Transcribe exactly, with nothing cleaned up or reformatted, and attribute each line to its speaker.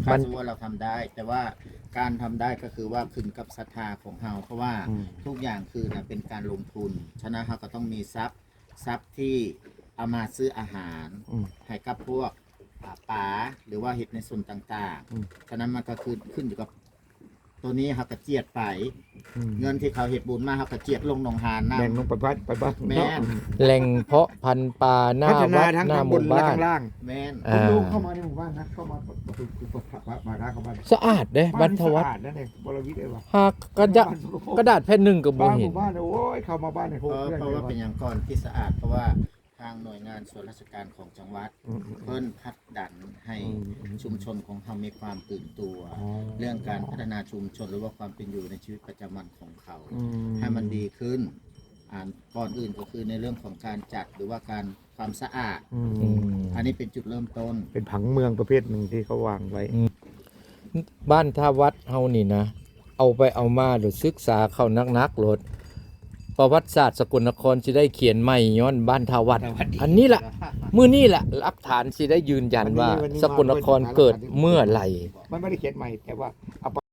Speaker 1: ถ้าสมมติว่าเราทำได้ แต่ว่าการทำได้ก็คือว่าขึ้นกับศรัทธาของเราเพราะว่าทุกอย่างคือนะเป็นการลงทุนฉะนั้นเราก็ต้องมีทรัพย์ทรัพย์ที่เอามาซื้ออาหารให้กับพวกป่าหรือว่าเห็ดในส่วนต่างๆฉะนั้นมันก็คือขึ้นอยู่กับตัวนี้เขากระเจียดไปเงินที่เขาเห็ดบุญมาเขากระเจียดลงหนองหานนะ
Speaker 2: แบ่งลงไปบ้านไปบ้าน
Speaker 1: แม่น
Speaker 3: แหล่งเพาะพันธุ์ปลาหน้า
Speaker 2: พัฒนา
Speaker 3: วัด
Speaker 2: ทั้ง
Speaker 3: หน้า
Speaker 2: ข้าง
Speaker 3: ห
Speaker 2: บ
Speaker 3: มู่
Speaker 2: นและ
Speaker 3: บ้าน
Speaker 2: ข้างล่าง
Speaker 1: แม่น
Speaker 2: ผมดูเข้ามาในหมู่บ้านนะเข้ามาประตูมาร้านเข้าบ้าน
Speaker 3: สะอาดเด้บรรทวัฒ
Speaker 2: สะ
Speaker 3: น์
Speaker 2: อาดนั่นเองบรวิทย์เองว่ะ
Speaker 3: หากกระดาษกระดาษแผ่นหนึ่งกับบ่
Speaker 2: บ้านห
Speaker 3: เห็น
Speaker 2: มู่บ้านเนี่ยโอ้ยเข้ามาบ้านเนี่ยโห
Speaker 1: เพราะ
Speaker 2: เพื่อน
Speaker 1: เพราะ
Speaker 2: เลย
Speaker 1: ว่า
Speaker 2: ว่ะ
Speaker 1: เป็นอย่างก่อนที่สะอาดเพราะว่าทางหน่วยงานส่วนราชการของจังหวัด
Speaker 2: อืม
Speaker 1: เพิ่นพัฒดันให้
Speaker 2: อืม
Speaker 1: ชุมชนของเขามีความตื่นตัว
Speaker 2: อ๋อ
Speaker 1: เรื่องการพัฒนาชุมชนหรือว่าความเป็นอยู่ในชีวิตประจำวันของเขา
Speaker 2: อืม
Speaker 1: ให้มันดีขึ้นอ่านก่อนอื่นก็คือในเรื่องของการจัดหรือว่าการความสะอาด
Speaker 2: อื
Speaker 3: อื
Speaker 2: ม
Speaker 3: ม
Speaker 1: อันนี้เป็นจุดเริ่มต้น
Speaker 2: เป็นผังเมืองประเภทหนึ่งที่เขาวางไว้
Speaker 3: บ้านท่าวัดเฮานี่นะ เอาไปเอามาหรือศึกษาเข้านักๆโลดประวัติศาสตร์สกลนครสิได้เขียนใหม่ย้อนบ้านท่าวัด อันนี้แหละมื้อนี้แหละหลักฐานสิได้ยืนยันว่า สกลนครเกิดเมื่อไหร่
Speaker 2: มันไม่ได้เขียนใหม่แต่ว่าเอา